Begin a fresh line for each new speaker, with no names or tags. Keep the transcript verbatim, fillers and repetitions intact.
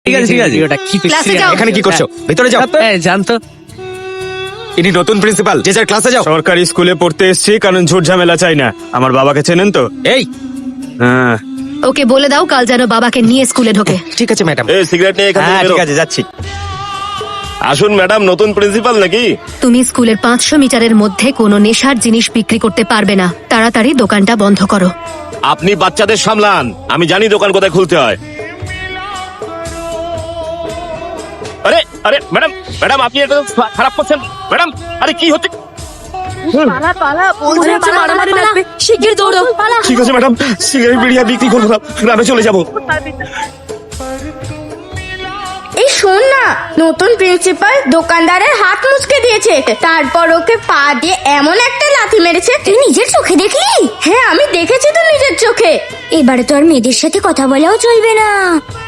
ঠিক আছে ঠিক আছে
ওটা কি
ক্লাসে যাও।
এখানে কি করছো? ভিতরে যাও।
হ্যাঁ জানতো।
ইনি নতুন প্রিন্সিপাল, যে যার ক্লাসে যাও।
সরকারি স্কুলে পড়তে এসেছি, কারণ ঝুট ঝামেলা চাই না। আমার বাবাকে চেনেন তো?
এই
হ্যাঁ।
ওকে বলে দাও কাল যেন বাবাকে নিয়ে স্কুলে ঢোকে।
ঠিক আছে ম্যাডাম।
এই সিগারেট নিয়ে এখান থেকে
হ্যাঁ
বেরো।
ঠিক আছে, যাচ্ছি।
আসুন ম্যাডাম, নতুন প্রিন্সিপাল নাকি?
তুমি স্কুলের পাঁচশো মিটারের মধ্যে কোনো নেশার জিনিস বিক্রি করতে পারবে না। তাড়াতাড়ি দোকানটা বন্ধ করো।
আপনি বাচ্চাদের সামলান, আমি জানি দোকান কোথায় খুলতে হয়। আরে আরে ম্যাডাম, ম্যাডাম আপনি এটা তো খারাপ করছেন ম্যাডাম। আরে কি হচ্ছে?
শিগগির দৌড়ো।
ঠিক আছে ম্যাডাম, সিগারেট বিড়িয়া বিক্রি করবো না, গ্রামে চলে যাবো।
এই শোন না, নতুন প্রিন্সিপাল দোকানদারের হাত মুচকে দিয়েছে, তারপর ওকে পা দিয়ে এমন একটা লাথি মেরেছে। তুই নিজের চোখে দেখলি? হ্যাঁ আমি দেখেছি তো নিজের চোখে।
এবারে তো আর মেয়েদের সাথে কথা বলাও চলবে না।